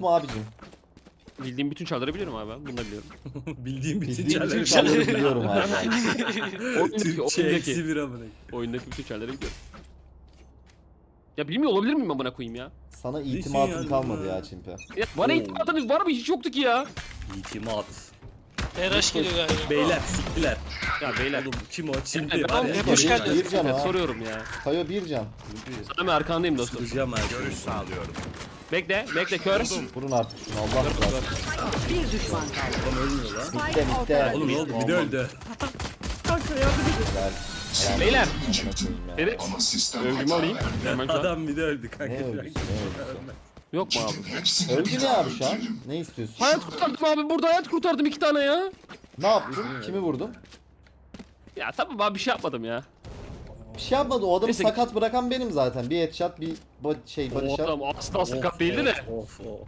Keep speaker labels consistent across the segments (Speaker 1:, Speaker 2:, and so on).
Speaker 1: mu abicim?
Speaker 2: Bildiğim bütün çarları biliyorum abi ben. Bunu da biliyorum.
Speaker 3: Bildiğim bütün
Speaker 1: Bildiğim bütün
Speaker 3: çarları.
Speaker 1: çarları biliyorum abi.
Speaker 3: Türkçe eksi bir amına.
Speaker 2: Oyundaki bütün çarları biliyorum. Ya bilmiyor olabilir miyim amına koyayım ya?
Speaker 1: Sana
Speaker 3: Düşün
Speaker 1: itimatım
Speaker 3: yani,
Speaker 1: kalmadı
Speaker 3: ha.
Speaker 1: ya Çimpe.
Speaker 2: Ya bana
Speaker 3: Oo.
Speaker 2: itimatınız var mı? Hiç yoktu ki ya.
Speaker 3: İtimat.
Speaker 4: TRH geliyor galiba.
Speaker 3: Beyler siktiler.
Speaker 2: Ya beyler.
Speaker 3: Oğlum kim o? Çimpi
Speaker 2: Ya,
Speaker 3: var
Speaker 2: ben-
Speaker 3: ya.
Speaker 4: Hoş geldin.
Speaker 1: Bir can
Speaker 2: Evet,
Speaker 1: ha.
Speaker 2: soruyorum ya.
Speaker 1: Tayo bir can.
Speaker 2: Sana ben arkandayım dostum.
Speaker 3: Süreceğim her şeyi.
Speaker 5: Görüş sağlıyorum.
Speaker 2: Bekle kör.
Speaker 1: Vurun artık şunu Allah razı olsun.
Speaker 6: Bir düşman kaldı.
Speaker 3: Adam ölmüyor lan.
Speaker 1: Bitti bitti.
Speaker 3: Oğlum ne oldu? Bir de öldü.
Speaker 1: Güzel.
Speaker 2: Beyler.
Speaker 1: Amına koyayım ya.
Speaker 2: Evet. Övgümü alayım. Hemen şu an.
Speaker 3: Adam bir de öldü kanka.
Speaker 1: Ne öldüsü ne öldüsü.
Speaker 2: Yok mu abi?
Speaker 1: Öldü ne abi şu an? Ne istiyorsun?
Speaker 2: Hayat kurtardım abi. Burada hayat kurtardım 2 tane ya.
Speaker 1: Ne yaptın? Kimi vurdun?
Speaker 2: Ya tamam abi bir şey yapmadım ya.
Speaker 1: Bir şey yapmadı. O adamı
Speaker 2: Neyse.
Speaker 1: sakat bırakan benim zaten. Bir headshot, bir body
Speaker 2: O
Speaker 1: shot.
Speaker 2: adam asla sakat değildi de.
Speaker 3: Of.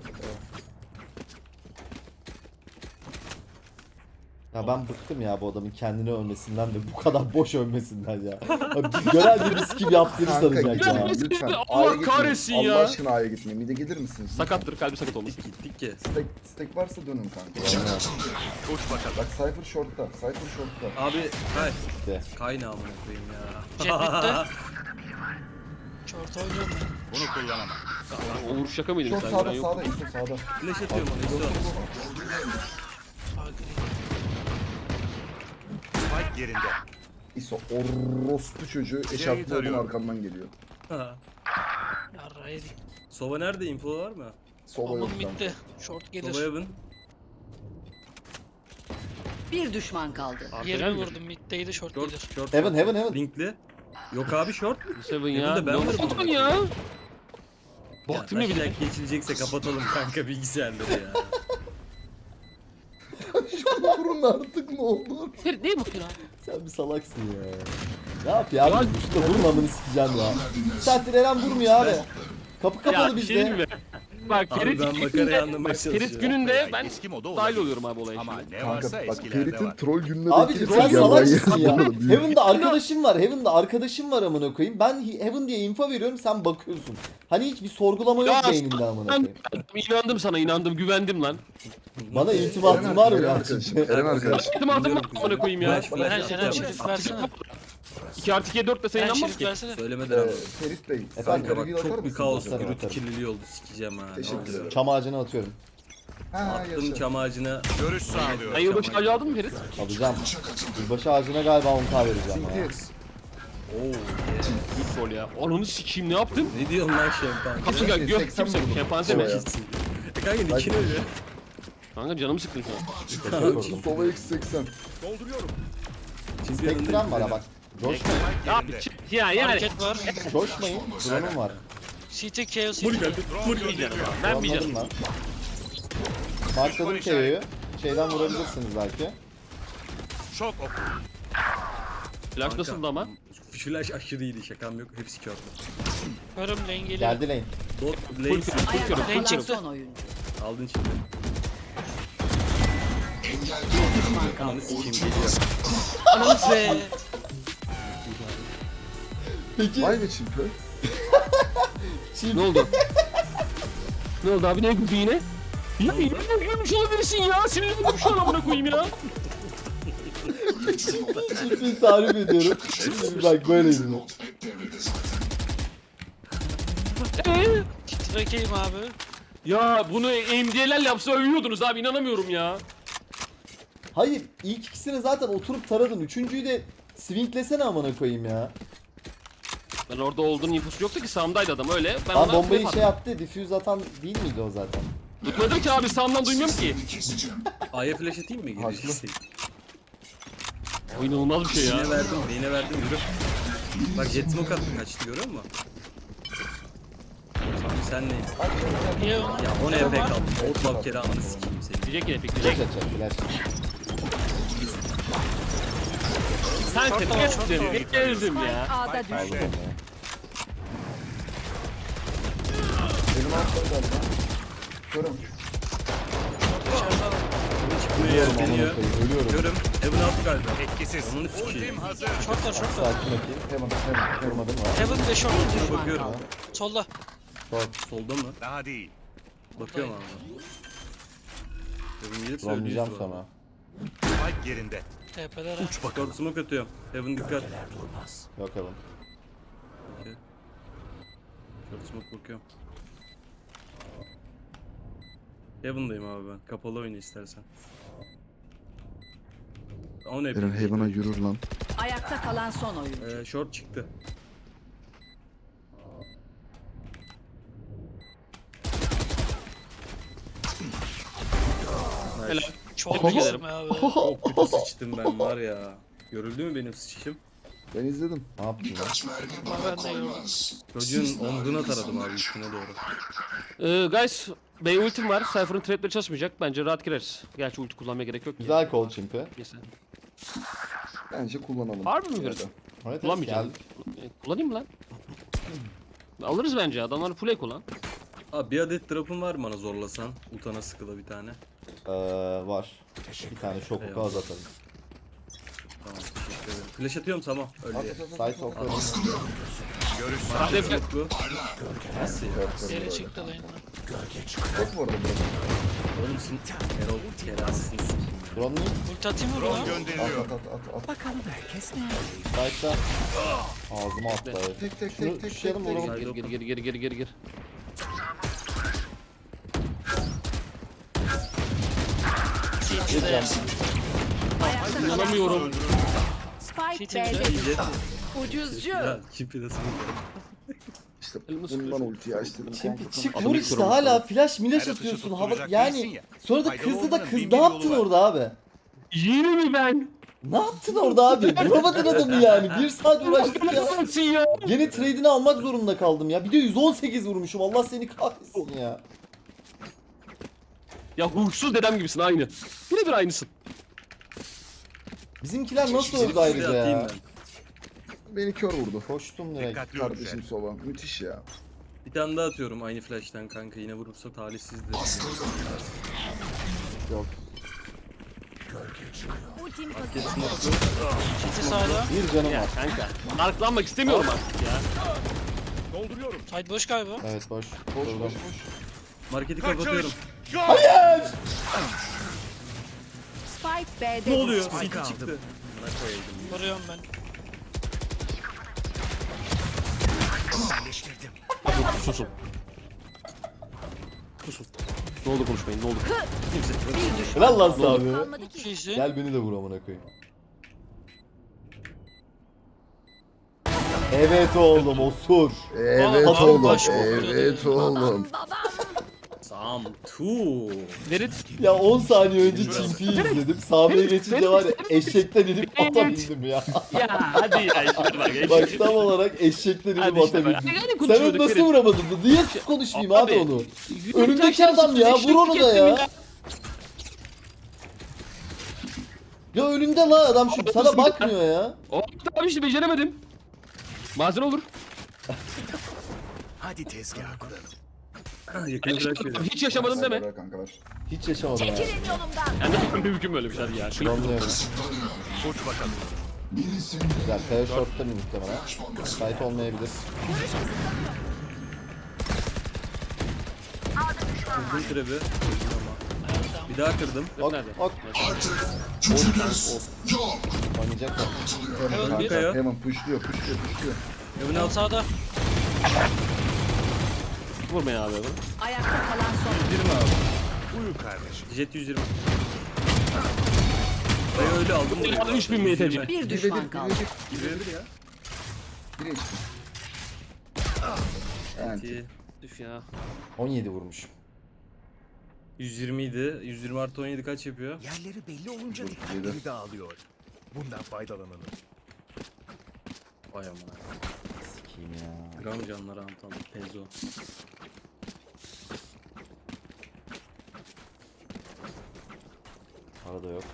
Speaker 1: Ya ben bıktım ya bu adamın kendini övmesinden ve bu kadar boş övmesinden ya. Abi Görel bir risk gibi yaptığını
Speaker 7: Kanka
Speaker 1: sanacak
Speaker 7: gitme
Speaker 1: ya.
Speaker 7: lütfen.
Speaker 2: Allah
Speaker 7: A'ya gitmeyin.
Speaker 2: kahretsin ya.
Speaker 7: Allah aşkına A'ya gitmeyin. Mide gelir misiniz?
Speaker 2: Sakattır kalbi sakat olmuş.
Speaker 3: Gittik ki.
Speaker 7: Stack varsa dönün kanka.
Speaker 5: Uç bakalım.
Speaker 7: Bak Cypher short'ta. Cypher short'ta.
Speaker 3: Abi kay.
Speaker 1: Gitti.
Speaker 3: Kaynağı amına koyayım ya.
Speaker 4: Jet bitti. Short oynuyorum ben.
Speaker 5: Bunu kullanamam.
Speaker 2: O vuruş şaka mıydı
Speaker 7: Short
Speaker 2: sen?
Speaker 7: sağda
Speaker 2: Ben yok.
Speaker 7: sağda İso sağda.
Speaker 3: Flash atıyorum ona işte.
Speaker 5: Spike yerinde.
Speaker 7: İso orospu çocuğu eşarplı olduğun
Speaker 5: tarıyorum.
Speaker 7: arkamdan geliyor.
Speaker 4: Yarra yedik.
Speaker 3: Sova nerede? Info var mı?
Speaker 7: Sola yok
Speaker 4: Omun
Speaker 7: kanka.
Speaker 4: bitti. Short gelir.
Speaker 3: Sova Evan.
Speaker 6: Bir düşman kaldı.
Speaker 2: Arkadan
Speaker 4: 20
Speaker 2: mı?
Speaker 4: vurdum. Mid'deydi short
Speaker 3: Short,
Speaker 4: gelir.
Speaker 3: short.
Speaker 1: Heaven.
Speaker 3: Linkli. Yok abi short.
Speaker 2: Seven
Speaker 3: Evan'da
Speaker 2: ya.
Speaker 3: ben
Speaker 2: Ne
Speaker 3: varım
Speaker 2: oldu
Speaker 3: ama.
Speaker 2: ya? Baktım ya bir de.
Speaker 3: Taşak geçilecekse kapatalım kanka bilgisayarları ya.
Speaker 7: Vurun artık ne olur.
Speaker 2: Ferit neye bakıyorsun abi?
Speaker 1: Sen bir salaksın ya. Ne yapıyor abi? Şurada vurmamını sikeceğim ya. Saattir Eren vurmuyor abi. Kapı kapalı
Speaker 2: Ya bir şey diyeyim
Speaker 1: bizde.
Speaker 2: mi? Bak
Speaker 3: Abi
Speaker 2: Ferit
Speaker 3: ben makarayı
Speaker 2: gününde,
Speaker 3: anlamaya
Speaker 2: bak, Ferit
Speaker 3: çalışıyorum.
Speaker 2: gününde ben
Speaker 5: Eski moda
Speaker 2: dahil
Speaker 5: olabilir.
Speaker 2: oluyorum abi olaya
Speaker 5: Ama
Speaker 2: şimdi.
Speaker 5: ne
Speaker 7: Kanka
Speaker 5: varsa
Speaker 7: bak
Speaker 5: eskilerde
Speaker 7: Ferit'in
Speaker 5: var.
Speaker 7: troll gününe
Speaker 1: Abi sen salaksın ya. Heaven'da arkadaşım var. Heaven'da arkadaşım var amına koyayım. Ben Heaven diye info veriyorum sen bakıyorsun. Hani hiç bir sorgulama yok
Speaker 2: Ya,
Speaker 1: beyninde amına
Speaker 2: Ben
Speaker 1: koyayım.
Speaker 2: inandım sana inandım güvendim lan.
Speaker 1: Bana itimatın var mı
Speaker 7: Eren
Speaker 1: ya?
Speaker 7: arkadaşım. Eren arkadaşım.
Speaker 2: İtimatım var amına koyayım ya.
Speaker 3: Flash, flash
Speaker 4: Eren
Speaker 3: atacağım.
Speaker 4: şerif versene.
Speaker 2: 2 artı 2'ye 4 dese
Speaker 4: Eren
Speaker 2: inanmaz
Speaker 4: şerif
Speaker 2: ki.
Speaker 4: versene.
Speaker 3: Söylemeden ama.
Speaker 7: Ferit Bey.
Speaker 1: Efendim,
Speaker 3: Kanka
Speaker 7: reveal
Speaker 3: bak
Speaker 7: atar
Speaker 3: çok bir
Speaker 7: mısınız?
Speaker 3: kaos
Speaker 1: Atarım,
Speaker 3: gürültü
Speaker 1: atarım.
Speaker 3: kirliliği oldu sikeceğim ha.
Speaker 7: Teşekkür
Speaker 3: Ne
Speaker 7: ederim.
Speaker 3: oldu?
Speaker 1: Çam ağacına atıyorum.
Speaker 7: Ha
Speaker 3: Attım
Speaker 7: yaşa.
Speaker 3: çam ağacına.
Speaker 5: Görüş sağlıyorum.
Speaker 2: Sen yılbaşı ağacı aldın mı Ferit?
Speaker 1: Alacağım. Yılbaşı ağacına galiba 10k vereceğim ya.
Speaker 7: Sinti.
Speaker 3: Oo.
Speaker 2: Büyük rol ya. Ananı sikeyim ne yaptım?
Speaker 3: Ne diyorsun lan şempan?
Speaker 2: Kapı gel gök
Speaker 7: 80
Speaker 2: kimse
Speaker 7: vurdum.
Speaker 2: şempanze mi?
Speaker 7: Oraya.
Speaker 3: Kanka nikini öyle.
Speaker 2: Kanka canımı sıktın şu an.
Speaker 1: Teşekkür ederim.
Speaker 7: Sola x80.
Speaker 5: Dolduruyorum.
Speaker 1: Spectrum var ha bak. Coşmayın.
Speaker 2: Ya, ya yani.
Speaker 4: Hareket var.
Speaker 1: Coşmayın. Drone'um var.
Speaker 4: CT KO
Speaker 3: Muli
Speaker 4: CT.
Speaker 3: geldi. Muli geldi.
Speaker 2: Ben bir
Speaker 1: Anladım
Speaker 2: canım.
Speaker 1: lan. Markladım KO'yu. Şeyden vurabilirsiniz belki.
Speaker 5: Şok oku.
Speaker 2: Flash nasıldı ama?
Speaker 3: Flash aşırı iyiydi şakam yok. Hepsi kördü.
Speaker 4: Körüm lane geliyor.
Speaker 1: Geldi lane.
Speaker 3: Dot lane
Speaker 6: Ayakta
Speaker 4: Lane
Speaker 6: kalan
Speaker 4: çıktı.
Speaker 6: son oyuncu.
Speaker 3: aldın şimdi.
Speaker 6: Bir düşman kaldı.
Speaker 3: Ananı sikeyim geliyor.
Speaker 4: Ananı be.
Speaker 1: Peki.
Speaker 7: Vay be çimpe.
Speaker 2: Ne oldu? Ne oldu abi ne güldü yine? Ya yine gülmüş olabilirsin ya. Sinirlendim şu an amına koyayım ya.
Speaker 1: Çiftliği tarif ediyorum. Şimdi bak böyleydi bu.
Speaker 4: Titrekeyim abi.
Speaker 2: Ya bunu MD'lerle yapsa övüyordunuz abi inanamıyorum ya.
Speaker 1: Hayır ilk ikisini zaten oturup taradın. Üçüncüyü de swinglesene amına koyayım ya.
Speaker 2: Ben orada olduğunun infosu yoktu ki sağımdaydı adam öyle. Ben
Speaker 1: Lan
Speaker 2: ona
Speaker 1: bombayı
Speaker 2: yapardım.
Speaker 1: şey yaptı. Diffuse atan değil miydi o zaten?
Speaker 2: Tutmadım ki abi sağımdan duymuyorum ki.
Speaker 3: A'ya flash atayım mı? Gireceksin.
Speaker 2: O inanılmaz bir şey ya.
Speaker 3: Yine verdim. Yine verdim. Yürü. Bak jet smoke attı kaçtı görüyor musun? Sen ne?
Speaker 4: Niye
Speaker 3: Ya 10 EP kaldı. Old bak kere ananı sikeyim seni.
Speaker 2: Diyecek yine
Speaker 1: Flash
Speaker 2: bekleyecek.
Speaker 1: atacak flash.
Speaker 2: Sen
Speaker 4: Short
Speaker 2: tepki
Speaker 4: var, short
Speaker 2: ettin.
Speaker 4: var.
Speaker 2: Beklerdim ya.
Speaker 6: A'da düştü.
Speaker 1: Aldım onu ya.
Speaker 7: Benim altımda galiba. Körüm.
Speaker 4: dışarıda var.
Speaker 3: Çıkmıyor
Speaker 1: Ölüyorum
Speaker 3: deniyor.
Speaker 1: amına koyayım. Ölüyorum.
Speaker 3: Görüm. Evan altı galiba.
Speaker 5: Etkisiz.
Speaker 3: Onun sikeyim.
Speaker 5: Ultim hazır.
Speaker 4: Short var short var.
Speaker 1: Sakin bakayım.
Speaker 7: Heaven.
Speaker 1: Vurmadım var.
Speaker 4: Heaven ve short.
Speaker 3: Bakıyorum.
Speaker 4: Solda.
Speaker 1: Short.
Speaker 3: Solda mı?
Speaker 5: Daha değil.
Speaker 3: Bakıyorum abi. Heaven gelirse
Speaker 1: Romlayacağım
Speaker 3: öldüyüz
Speaker 1: sonra.
Speaker 5: Spike yerinde.
Speaker 4: TP'ler ha.
Speaker 3: Short smoke atıyorum. Heaven dikkat.
Speaker 1: Yok Heaven.
Speaker 3: Okey. Short smoke bakıyorum. Heaven'dayım abi ben. Kapalı oyna istersen. O ne
Speaker 7: Eren
Speaker 3: yapayım?
Speaker 7: Heaven'a yürür lan.
Speaker 6: Ayakta kalan son oyuncu.
Speaker 3: Short çıktı.
Speaker 2: Helal.
Speaker 4: Çok
Speaker 2: Tebrik
Speaker 4: iyisin
Speaker 2: ederim.
Speaker 4: be abi.
Speaker 3: Çok kötü sıçtım ben var ya. Görüldü mü benim sıçışım?
Speaker 7: Ben izledim.
Speaker 1: Ne yaptın lan?
Speaker 4: Ama ben de gördüm.
Speaker 3: Çocuğun omzuna taradım abi üstüne doğru.
Speaker 2: Guys, Bey ultim var. Cypher'ın trapleri çalışmayacak. Bence rahat gireriz. Gerçi ulti kullanmaya gerek yok ki.
Speaker 1: Güzel kol çimpi.
Speaker 2: Neyse.
Speaker 7: Bence kullanalım.
Speaker 2: Harbi mi
Speaker 7: Ya
Speaker 2: diyorsun?
Speaker 7: da.
Speaker 1: Evet,
Speaker 2: Kullanmayacağım.
Speaker 1: geldik.
Speaker 2: Kullanayım mı lan? Alırız bence. Adamlar full kullan.
Speaker 3: Abi bir adet drop'un var mı bana zorlasan? Utana sıkıla bir tane.
Speaker 1: Var. Bir tane şok oku
Speaker 3: Eyvallah.
Speaker 1: az atalım.
Speaker 3: Tamam teşekkür ederim. Flash atıyorum tamam. Öyle.
Speaker 1: Side okları.
Speaker 5: Görüş
Speaker 2: Hadi Efe.
Speaker 3: Bu. Nasıl ya?
Speaker 4: Geri çıktı lane'den.
Speaker 7: Yok bu arada burası.
Speaker 3: Oğlum sin... Erol kelamsın sikeyim.
Speaker 1: Drone mu?
Speaker 4: Ulti atayım mı
Speaker 5: drone
Speaker 4: buna?
Speaker 7: At
Speaker 5: gönderiliyor.
Speaker 7: at.
Speaker 1: Side'da. Ağzıma attı. Evet.
Speaker 7: Tek tek
Speaker 1: Şunu
Speaker 7: tek tek
Speaker 1: düşürelim
Speaker 7: tek.
Speaker 1: vuralım.
Speaker 2: Gir.
Speaker 1: Gireceğim.
Speaker 6: Ayakta kalan son
Speaker 2: İnanamıyorum.
Speaker 6: oyuncu. Spike
Speaker 4: City
Speaker 6: B'de
Speaker 4: bile.
Speaker 6: düştü. Ucuzcu.
Speaker 3: Ya kipi nasıl
Speaker 7: İşte
Speaker 2: Elimi
Speaker 7: bundan
Speaker 2: sıkıyorsun.
Speaker 7: ultiyi açtım.
Speaker 1: Çimpi çık
Speaker 2: Adamı
Speaker 1: vur işte
Speaker 2: yıkıyorum
Speaker 1: hala
Speaker 2: sana.
Speaker 1: flash milaş
Speaker 5: Her atışı
Speaker 1: atıyorsun hava
Speaker 5: tutturacak değilsin
Speaker 1: yani
Speaker 5: ya.
Speaker 1: sonra da
Speaker 5: Faydalı
Speaker 1: kızdı da
Speaker 5: olmanın
Speaker 1: kız
Speaker 5: bin
Speaker 1: ne
Speaker 5: bir
Speaker 1: yaptın
Speaker 5: yolu var.
Speaker 1: orada abi?
Speaker 2: Yine mi ben?
Speaker 1: Ne yaptın orada abi? Vuramadın adamı yani. Bir saat uğraştık ya.
Speaker 2: Nasılsın ya?
Speaker 1: Yine trade'ini almak zorunda kaldım ya. Bir de 118 vurmuşum. Allah seni kahretsin ya.
Speaker 2: Ya huysuz dedem gibisin aynı. Birebir aynısın.
Speaker 1: Bizimkiler nasıl öldü ayrıca
Speaker 3: atayım
Speaker 1: ya?
Speaker 3: ben.
Speaker 7: Beni kör vurdu.
Speaker 1: Koştum direkt.
Speaker 5: Dikkatli
Speaker 7: Kardeşim
Speaker 5: olun.
Speaker 7: Sova. Müthiş ya.
Speaker 3: Bir tane daha atıyorum aynı flash'ten kanka yine vurursa talihsizdir.
Speaker 1: Yok.
Speaker 3: Market smoke'lu.
Speaker 4: City sağda.
Speaker 1: Bir canım
Speaker 2: Ya
Speaker 1: var.
Speaker 2: kanka. Marklanmak istemiyorum artık ya.
Speaker 5: Dolduruyorum.
Speaker 4: Side boş galiba.
Speaker 1: Evet boş.
Speaker 7: Boş
Speaker 1: Durdum.
Speaker 7: boş boş.
Speaker 3: Marketi kapatıyorum.
Speaker 1: Hayır!
Speaker 6: Spike B'de
Speaker 3: Ne oluyor?
Speaker 6: düştü.
Speaker 3: City çıktı. Buna koyayım.
Speaker 4: Vuruyorum ben.
Speaker 2: Susun. Susun. Ne oldu konuşmayın ne oldu?
Speaker 1: Helal lan abi.
Speaker 4: Çok iyisin.
Speaker 1: Gel beni de vur amına koyayım. Evet oğlum osur.
Speaker 7: Evet
Speaker 4: Adam
Speaker 7: oğlum.
Speaker 4: baş
Speaker 7: Evet oğlum.
Speaker 3: Sam tu.
Speaker 2: Ferit.
Speaker 1: Ya 10 saniye önce Çimpi'yi izledim. Sahneye geçince var ya eşekten inip ata bindim ya.
Speaker 2: Ya hadi ya işte bak.
Speaker 1: Bak tam olarak eşekten inip
Speaker 2: Hadi
Speaker 1: ata
Speaker 2: işte bak.
Speaker 1: bindim.
Speaker 2: Yani
Speaker 1: Sen onu
Speaker 2: konuşuyorduk
Speaker 1: nasıl
Speaker 2: Ferit.
Speaker 1: vuramadın? Niye konuşmayayım abi
Speaker 2: Abi,
Speaker 1: onu? Önümdeki adam ya, vur onu da ya. Ya önünde la adam şu sana bakmıyor ya.
Speaker 2: O abi işte beceremedim. Bazen olur.
Speaker 5: Hadi tezgah kuralım.
Speaker 3: Yakın flash veriyorum.
Speaker 2: Hiç yaşamadım deme.
Speaker 7: Ver kanka ver.
Speaker 1: Hiç yaşamadım ya.
Speaker 2: Yani mümkün böyle bir şey hadi ya.
Speaker 1: Anlıyorum.
Speaker 5: Uç bakalım.
Speaker 1: Güzel. Kaya short'ta bir muhtemelen. Site olmayabilir.
Speaker 3: Kırdım trebi. Öldüm ama. Bir daha kırdım.
Speaker 1: Ok
Speaker 2: Nerede?
Speaker 1: ok. Oynayacak mı?
Speaker 7: Hemen
Speaker 4: bir.
Speaker 7: kanka. Hemen pushluyor.
Speaker 3: Evin
Speaker 4: Al
Speaker 3: altı.
Speaker 4: sağda.
Speaker 2: Vurmayın abi.
Speaker 6: Ayakta kalan son oyuncu.
Speaker 3: 120 abi.
Speaker 5: Uyu kardeşim.
Speaker 3: Jet 120. Dayı öyle aldım.
Speaker 2: Bir aldım, 3000 MTC.
Speaker 6: Bir düşman kaldı.
Speaker 3: Girebilir ya.
Speaker 7: Bire içtim. Evet.
Speaker 2: Üf ya.
Speaker 1: 17 vurmuş.
Speaker 3: 120 idi. 120 artı 17 kaç yapıyor?
Speaker 5: Yerleri belli olunca
Speaker 7: Yedi.
Speaker 5: dikkatleri dağılıyor. Bundan faydalanalım.
Speaker 3: Vay amına.
Speaker 1: Sikiyim ya.
Speaker 3: Gram canları antam. Pezo.
Speaker 1: Arada yok.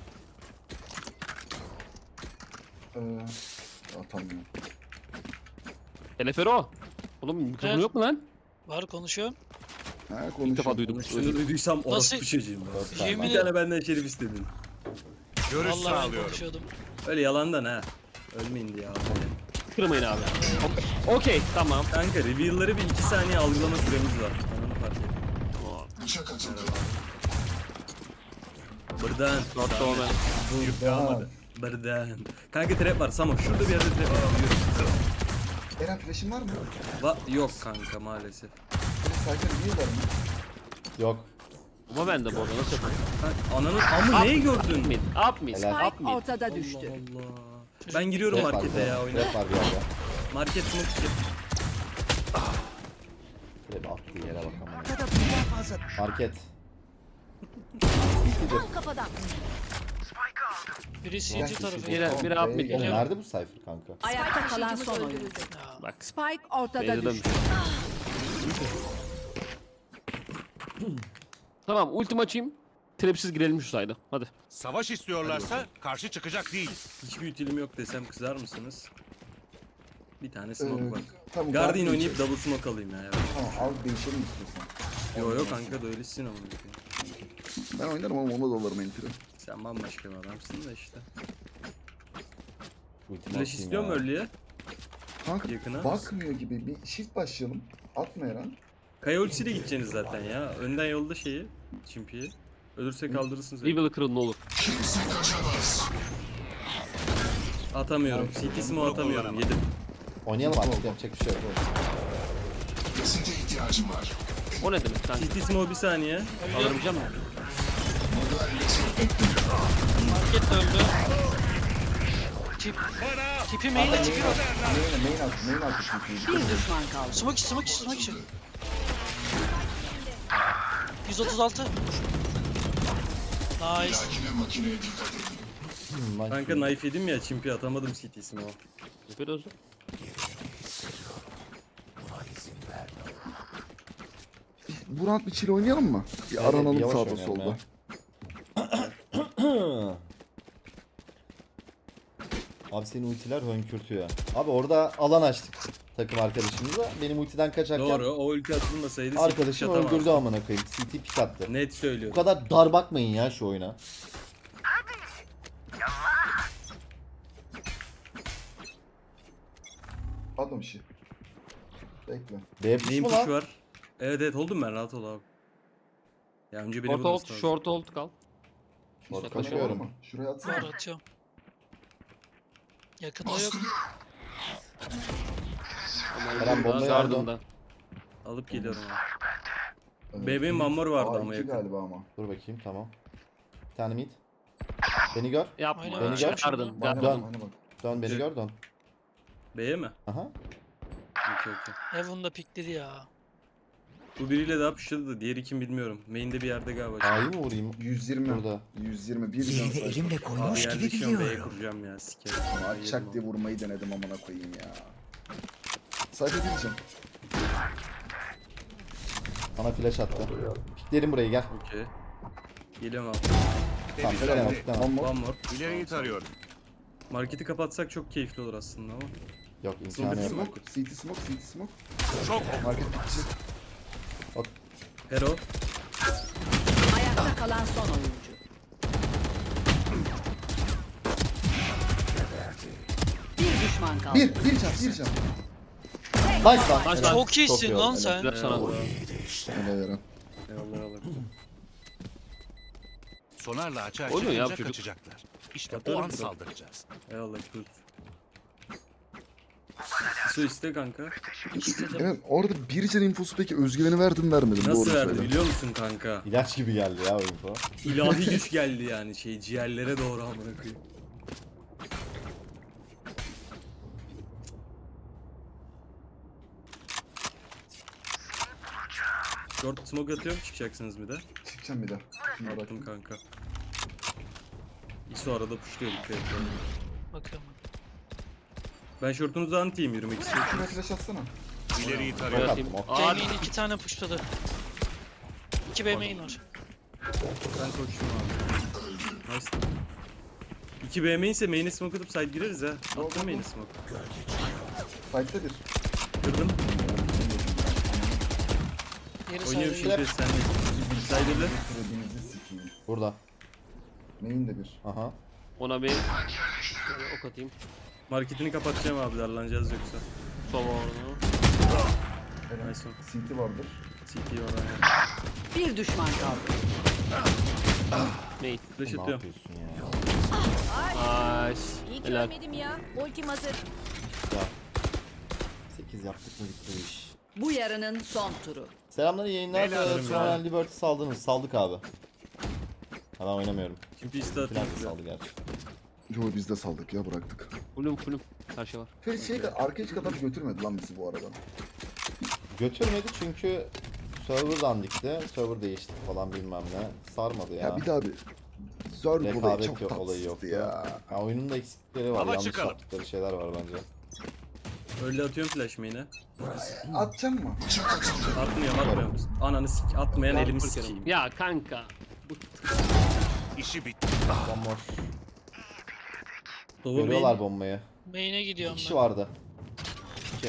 Speaker 7: Atamıyorum.
Speaker 2: Teleferi o. Oğlum mikrofonu
Speaker 4: Evet.
Speaker 2: yok mu lan?
Speaker 4: Var konuşuyorum.
Speaker 7: Ha
Speaker 2: İlk defa
Speaker 7: konuşuyorum.
Speaker 2: duydum.
Speaker 3: Şunu duyduysam orospu
Speaker 4: Nasıl?
Speaker 3: çocuğum.
Speaker 1: Dört
Speaker 3: ben.
Speaker 1: tane.
Speaker 4: Yemin
Speaker 3: Bir tane benden şerif istedin.
Speaker 5: Görüş
Speaker 4: Vallahi ben
Speaker 5: sağlıyorum.
Speaker 4: konuşuyordum.
Speaker 3: Öyle yalandan ha. Ölmeyin diye abi.
Speaker 2: Kırmayın abi. Okey tamam.
Speaker 3: Kanka reveal'ları bir 2 saniye algılama süremiz var. Ben onu fark ettim. Buradan.
Speaker 2: Hatta o ben.
Speaker 3: Yük kalmadı. Buradan. Kanka trap var. Samo şurada bir yerde trap var. Yürü.
Speaker 7: Eren flash'in var mı?
Speaker 3: Yok kanka maalesef.
Speaker 7: Cypher niye var mı?
Speaker 1: Yok.
Speaker 2: Ama ben de bu arada nasıl yapayım?
Speaker 3: Ananın amı neyi gördün?
Speaker 2: Up mid. Up mid.
Speaker 1: Helal.
Speaker 2: Up
Speaker 6: Spike
Speaker 2: mid.
Speaker 6: ortada düştü.
Speaker 3: Allah. Ben giriyorum
Speaker 1: Rap var
Speaker 3: markete
Speaker 1: bir
Speaker 3: ya
Speaker 1: yerde.
Speaker 3: oyuna.
Speaker 1: Rap var bir yerde.
Speaker 3: Market smoke.
Speaker 1: Rap attığı yere bakalım.
Speaker 6: Ortada birden fazla.
Speaker 1: Market.
Speaker 6: Tam kafadan.
Speaker 4: Biri CT tarafı.
Speaker 2: Biri up mid
Speaker 1: Oğlum
Speaker 2: geliyor.
Speaker 1: nerede bu Cypher kanka?
Speaker 6: Ayakta kalan son oyuncu.
Speaker 4: Ya,
Speaker 2: Bak.
Speaker 6: Spike ortada
Speaker 2: Beyza'da
Speaker 6: düştü.
Speaker 2: Tamam ultim açayım. Trapsiz girelim şu sayda. Hadi.
Speaker 5: Savaş istiyorlarsa karşı çıkacak değiliz.
Speaker 3: Hiçbir utilim yok desem kızar mısınız? Bir tane smoke var.
Speaker 7: Tamam.
Speaker 3: Guardian oynayıp double smoke alayım ya. Evet.
Speaker 7: Tamam al değişelim istiyorsan.
Speaker 3: Yo kanka da öylesin ama.
Speaker 7: Ben oynarım ama ona da alırım entry.
Speaker 3: Sen bambaşka bir adamsın da işte.
Speaker 1: Ultimi
Speaker 3: Flash
Speaker 1: atayım
Speaker 3: istiyor mu
Speaker 1: ya.
Speaker 3: early'e?
Speaker 7: Kanka
Speaker 3: Yakına.
Speaker 7: bakmıyor gibi bir shift başlayalım. Atma Eren.
Speaker 3: Kaya ultisiyle gideceksiniz zaten ya. Önden yolda şeyi. Çimpiyi. Ölürse kaldırırsınız.
Speaker 2: Rival'ı kırın ne olur.
Speaker 3: Atamıyorum. CT smoke atamıyorum. Yedim.
Speaker 1: Oynayalım artık yapacak bir şey yok.
Speaker 2: O ne demek kanka?
Speaker 3: CT smoke bir saniye.
Speaker 2: Alamayacağım mı?
Speaker 4: market de öldü. Tipi main'e tipi var.
Speaker 7: Main altı çünkü.
Speaker 6: Bir düşman kaldı.
Speaker 4: Smoke içi. 136. Nice.
Speaker 3: Kanka knife yedim ya. Çimpi atamadım CT smoke.
Speaker 2: Yapıyoruz.
Speaker 7: Bu round bir chill oynayalım mı? Bir
Speaker 1: Evet,
Speaker 7: aranalım
Speaker 1: yavaş
Speaker 7: sağda
Speaker 1: oynayalım
Speaker 7: solda.
Speaker 1: ya. Abi senin ultiler hönkürtüyor. Abi orada alan açtık takım arkadaşımıza. Benim ultiden kaçarken
Speaker 3: Doğru. O ulti atılmasaydı
Speaker 1: arkadaşım
Speaker 3: CT atamazdı.
Speaker 1: öldürdü amına koyayım. CT pick attı.
Speaker 3: Net
Speaker 1: Bu
Speaker 3: söylüyorum.
Speaker 1: kadar dar bakmayın ya şu oyuna.
Speaker 7: Atma bir şey. Bekle.
Speaker 1: B push
Speaker 3: Neyin
Speaker 1: mu
Speaker 3: push
Speaker 1: lan?
Speaker 3: var? Evet oldum ben rahat ol abi. Ya önce beni
Speaker 2: Short hold,
Speaker 3: bulması lazım.
Speaker 2: short hold kal.
Speaker 1: Short
Speaker 7: Kaçıyorum.
Speaker 1: kaçıyorum.
Speaker 7: Mı? Şuraya atsana.
Speaker 4: Var atıyorum. Yakında yok.
Speaker 1: Eren bombayı
Speaker 2: Gardında.
Speaker 3: Alıp geliyorum abi.
Speaker 7: Evet.
Speaker 3: Bebeğin mamor vardı
Speaker 7: Aa,
Speaker 3: ama
Speaker 7: iki
Speaker 3: yakın.
Speaker 7: galiba ama.
Speaker 1: Dur bakayım tamam. Bir tane mid. Beni gör.
Speaker 2: Yapma.
Speaker 4: Aynen,
Speaker 1: Beni gör.
Speaker 2: Gardın.
Speaker 7: Bana
Speaker 1: Dön.
Speaker 7: bak, bana bak.
Speaker 1: Dön beni gör dön.
Speaker 3: B'ye mi?
Speaker 1: Aha.
Speaker 3: Okey.
Speaker 4: Heaven'da pikledi ya.
Speaker 3: Bu biriyle daha pushladı da diğeri kim bilmiyorum. Main'de bir yerde galiba.
Speaker 1: A'yı mı vurayım?
Speaker 7: 120.
Speaker 1: Burada.
Speaker 7: 120. Bir can sayfa.
Speaker 3: Abi yerleşiyorum B'ye kuracağım ya sikerim.
Speaker 7: Atacak diye vurmayı denedim amına koyayım ya. Sayfa diyeceğim.
Speaker 1: Bana flash attı. Piklerim burayı gel.
Speaker 3: Okey. Geliyorum abi.
Speaker 1: Tamam tamam tamam.
Speaker 7: One more.
Speaker 3: One more.
Speaker 5: İleriyi tarıyorum.
Speaker 3: Marketi kapatsak çok keyifli olur aslında ama.
Speaker 1: Yok imkanı
Speaker 3: Zombi
Speaker 1: yok.
Speaker 7: Smoke. CT smoke. CT smoke.
Speaker 5: Çok
Speaker 7: Market bitişi.
Speaker 3: Hero.
Speaker 6: Ayakta kalan son oyuncu. Bir düşman kaldı.
Speaker 7: Bir can. Bir can.
Speaker 1: Nice lan.
Speaker 2: Nice lan.
Speaker 4: Çok iyisin
Speaker 1: iyi
Speaker 4: lan
Speaker 1: oldu,
Speaker 4: sen.
Speaker 2: Güzel sana.
Speaker 7: Helal Eren.
Speaker 3: Eyvallah.
Speaker 5: sonarla açığa
Speaker 2: Oynuyor ya
Speaker 5: çıkınca
Speaker 2: bu çocuk.
Speaker 5: kaçacaklar. İşte
Speaker 3: Atarım
Speaker 5: o an
Speaker 3: kral.
Speaker 5: saldıracağız.
Speaker 3: Eyvallah kurt. Su iste kanka.
Speaker 4: İstedim.
Speaker 7: Eren orada bir can infosu peki özgüveni verdim vermedim.
Speaker 3: Nasıl
Speaker 7: Doğru
Speaker 3: verdi
Speaker 7: söyle.
Speaker 3: biliyor musun kanka?
Speaker 1: İlaç gibi geldi ya o info.
Speaker 3: İlahi güç geldi yani ciğerlere doğru amına koyayım. Short smoke atıyorum çıkacaksınız bir de.
Speaker 7: Çıkacağım bir de. Şuna bak.
Speaker 3: Attım kanka. İso arada pushluyor dikkat et.
Speaker 4: Bakıyorum.
Speaker 3: Ben shortunuzu antiyim yürümek istiyorum.
Speaker 7: Şuna flash atsana.
Speaker 5: İleriyi
Speaker 1: Ok
Speaker 5: tarıyorum.
Speaker 1: attım ok.
Speaker 2: Aa,
Speaker 4: J-main 2 tane pushladı. 2 B main var.
Speaker 3: Ben koştum abi. Nice. 2 B main ise main'e smoke atıp side gireriz ha. Attım main'e smoke.
Speaker 7: Fight'ta bir.
Speaker 3: Kırdım.
Speaker 4: Geri
Speaker 3: Oynuyorum
Speaker 4: sağda.
Speaker 3: şimdi sen de. Side'de.
Speaker 7: Kredinizi sikeyim.
Speaker 1: Burada.
Speaker 7: Main de bir.
Speaker 1: Aha.
Speaker 2: Ona bir şöyle ok atayım.
Speaker 3: Marketini kapatacağım abi darlanacağız yoksa.
Speaker 2: Sova onu.
Speaker 7: Eren.
Speaker 3: Nice one.
Speaker 7: CT vardır.
Speaker 3: CT var aynen.
Speaker 6: Bir düşman kaldı.
Speaker 2: Ney?
Speaker 3: Flash
Speaker 1: Ne
Speaker 3: atıyorum.
Speaker 1: yapıyorsun ya?
Speaker 2: Nice.
Speaker 8: İyi ki
Speaker 2: Helal.
Speaker 8: ölmedim ya. Ultim hazır.
Speaker 1: 8 yaptık mı bitti bu iş.
Speaker 6: Bu yarının son turu.
Speaker 1: Selamlar, iyi yayınlar.
Speaker 5: Helal olsun
Speaker 1: Sonra
Speaker 5: ya.
Speaker 1: Liberty saldınız. Saldık abi. Ha, ben oynamıyorum.
Speaker 3: Şimdi iste
Speaker 1: Plan
Speaker 3: atayım.
Speaker 1: saldı gerçi.
Speaker 7: Yo biz de saldık ya bıraktık.
Speaker 2: Fullüm. Her şey var.
Speaker 7: Ferit arkaya hiç kadar götürmedi lan bizi bu arada.
Speaker 1: Götürmedi çünkü server dandikti. Server değişti falan bilmem ne. Sarmadı ya.
Speaker 7: Ya bir daha bir zor olayı
Speaker 1: Rekabet
Speaker 7: çok
Speaker 1: yok, olayı yoktu.
Speaker 7: tatsızdı ya.
Speaker 1: Ya oyunun da eksikleri var.
Speaker 5: Ama
Speaker 1: Yanlış
Speaker 5: çıkalım.
Speaker 1: yaptıkları şeyler var bence.
Speaker 3: Öyle atıyorum flash main'e.
Speaker 7: Atacağım mı?
Speaker 3: Atmıyorum. Ananı sik. Atmayan elimi sikeyim.
Speaker 2: Ya kanka.
Speaker 5: İşi bitti.
Speaker 1: One more.
Speaker 3: Doğu
Speaker 1: Görüyorlar
Speaker 3: main.
Speaker 1: bombayı.
Speaker 4: Main'e
Speaker 1: Bir
Speaker 4: gidiyorum
Speaker 1: kişi
Speaker 4: ben.
Speaker 1: vardı. 2.